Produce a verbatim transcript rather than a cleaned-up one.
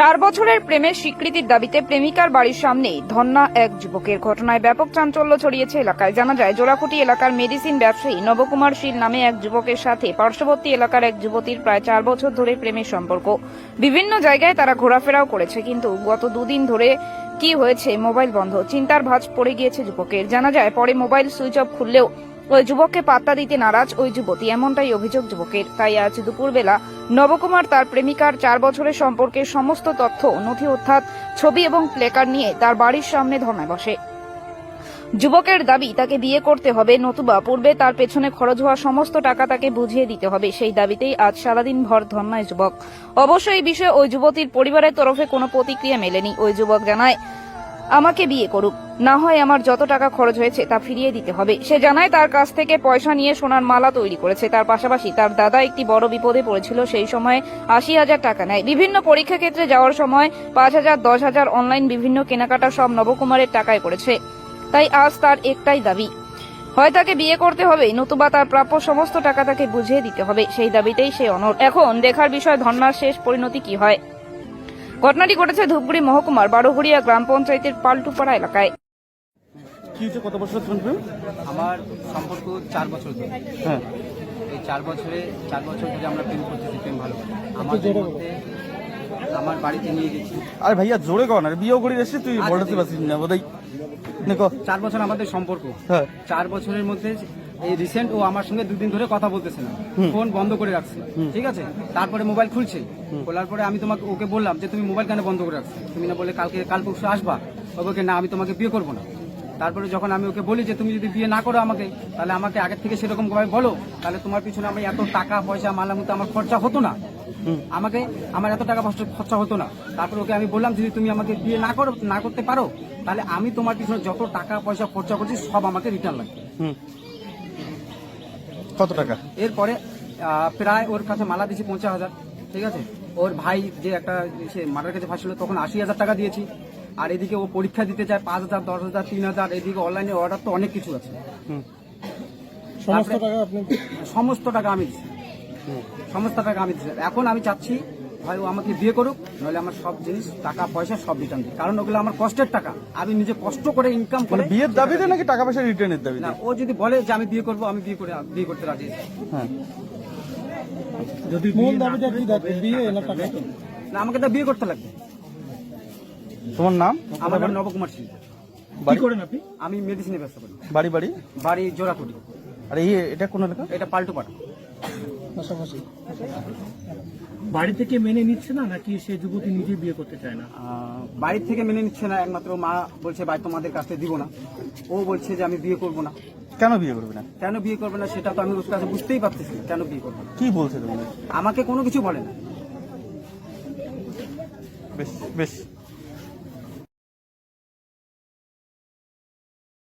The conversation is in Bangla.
চার বছরের প্রেমের স্বীকৃতির দাবিতে প্রেমিকার বাড়ির সামনে ধর্ণা এক যুবকের। ঘটনায় ব্যাপক চাঞ্চল্য ছড়িয়েছে এলাকায়। জানা যায়, জোড়াকুটি এলাকার মেডিসিন ব্যবসায়ী নবকুমার শীল নামে এক যুবকের সাথে পার্শ্ববর্তী এলাকার এক যুবতীর প্রায় চার বছর ধরে প্রেমের সম্পর্ক। বিভিন্ন জায়গায় তারা ঘোরাফেরাও করেছে, কিন্তু গত দুদিন ধরে কি হয়েছে, মোবাইল বন্ধ। চিন্তার ভাঁজ পড়ে গিয়েছে যুবকের। জানা যায়, পরে মোবাইল সুইচ অফ খুললেও ওই যুবককে পাত্তা দিতে নারাজ ওই যুবতী, এমনটাই অভিযোগ যুবকের। তাই আজ দুপুরবেলা নবকুমার তার প্রেমিকার চার বছরের সম্পর্কের সমস্ত তথ্য, নথি অর্থাৎ ছবি এবং প্লেকার্ড নিয়ে তার বাড়ির সামনে ধর্নায় বসে। যুবকের দাবি, তাকে বিয়ে করতে হবে, নতুবা পূর্বে তার পেছনে খরচ হওয়া সমস্ত টাকা তাকে বুঝিয়ে দিতে হবে। সেই দাবিতেই আজ সারাদিন ভর ধর্নায় যুবক। অবশ্য এই বিষয়ে ওই যুবতীর পরিবারের তরফে কোনো প্রতিক্রিয়া মেলেনি। ওই যুবক জানায়, আমাকে বিয়ে করুক, না হয় আমার যত টাকা খরচ হয়েছে তা ফিরিয়ে দিতে হবে। সে জানায়, তার কাছ থেকে পয়সা নিয়ে সোনার মালা তৈরি করেছে। তার পাশাপাশি তার দাদা একটি বড় বিপদে পড়েছিল, সেই সময় আশি হাজার টাকা নেয়। বিভিন্ন পরীক্ষা ক্ষেত্রে যাওয়ার সময় পাঁচ হাজার দশ হাজার অনলাইন বিভিন্ন কেনাকাটা সব নবকুমারের টাকায় করেছে। তাই আজ তার একটাই দাবি, হয় তাকে বিয়ে করতে হবে, নতুবা তার প্রাপ্য সমস্ত টাকা তাকে বুঝিয়ে দিতে হবে। সেই দাবিতেই সে অনড়। এখন দেখার বিষয় ধর্নার শেষ পরিণতি কি হয়। ঘটনাটি ঘটেছে ধূপগুড়ি মহকুমার বারোঘড়িয়া গ্রাম পঞ্চায়েতের পাল্টুপাড়া এলাকায়। কি হচ্ছে, কত বছর চলবে? আমার সম্পর্ক চার বছর ধরে। হ্যাঁ, এই চার বছরে চার বছর ধরে আমরা প্রেম করতেছি, প্রেম ভালো। আমাদের মধ্যে আমার বাড়িতে নিয়ে গেছি। আরে ভাইয়া জোরে কর না, বিয়েও করে এসে তুই আচ্ছা, বলতে ঠিক পারছিস না বোধহয়। দেখো চার বছর আমাদের সম্পর্ক। হ্যাঁ, চার বছরের মধ্যে এই রিসেন্ট ও আমার সঙ্গে দুদিন ধরে কথা বলতেছে না, ফোন বন্ধ করে রাখছে। ঠিক আছে, তারপরে মোবাইল খুলছে। খোলার পরে আমি তোমাকে ওকে বললাম যে তুমি মোবাইল কেন বন্ধ করে রাখছো? তুমি না বলে কালকে কাল পরশু আসবা? ওকে না, আমি তোমাকে বিয়ে করবো না। তারপরে যখন আমি ওকে বলি যে তুমি যদি বিয়ে না করো আমাকে, তাহলে আমাকে আগের থেকে সেরকম ভাবে বলো, তাহলে তোমার পিছনে আমি এত টাকা পয়সা মালামুতে আমার খরচা হতো না, আমাকে আমার এত টাকা খরচা হতো না। তারপর ওকে আমি বললাম, যদি তুমি আমাকে বিয়ে না করো না করতে পারো, তাহলে আমি তোমার পিছনে যত টাকা পয়সা খরচা করছি সব আমাকে রিটার্ন লাগবে। কত টাকা? এরপরে আহ, প্রায় ওর কাছে মালা দিয়েছি পঞ্চাশ হাজার। ঠিক আছে, ওর ভাই যে একটা সে মাটার কাছে ফাঁসছিল তখন আশি হাজার টাকা দিয়েছি। আর এদিকে ও পরীক্ষা দিতে চায় পাঁচ হাজার দশ হাজার তিন হাজার এদিকে অনলাইনে অর্ডার তো অনেক কিছু আছে। সমস্ত টাকা আপনি? সমস্ত টাকা আমি দিচ্ছি, সমস্ত টাকা আমি দিচ্ছি। এখন আমি চাচ্ছি, ভাই ও আমাকে বিয়ে করুক, নইলে আমার সব জিনিস টাকা পয়সা সব রিটার্ন দিই, কারণ ওগুলো আমার কষ্টের টাকা। আমি নিজে কষ্ট করে ইনকাম করে। বিয়ের দাবিতে নাকি টাকা পয়সা রিটার্নের দাবি? না, ও যদি বলে যে আমি বিয়ে করবো, আমি বিয়ে করে বিয়ে করতে রাজি আছি। হ্যাঁ, যদি মূল দাবিটা কি থাকবে, বিয়ে না টাকা? না, আমাকে তো বিয়ে করতে লাগবে। তোমার নাম? আমার নাম নবকুমার সিং। কি করেন আপনি? আমি মেডিসিনের ব্যবসা করি। বাড়ি বাড়ি বাড়ি জোড়াকুটি। আর এই এটা কোন এলাকা? এটা পাল্টুপাড়া। পাশাপাশি বাড়ি থেকে মেনে নিচ্ছে না, নাকি সে যুবতী নিজে বিয়ে করতে চায় না? আহ, বাড়ির থেকে মেনে নিচ্ছে না, একমাত্র মা বলছে ভাই তোমাদের কাছে দিব না। ও বলছে যে আমি বিয়ে করব না। কেন বিয়ে করবে না? কেন বিয়ে করবে না সেটা তো আমি ওর কাছে বুঝতেই পারতেছি না, কেন বিয়ে করবে না। কি বলছে তোমাদের? আমাকে কোনো কিছু বলে না। বেশ বেশ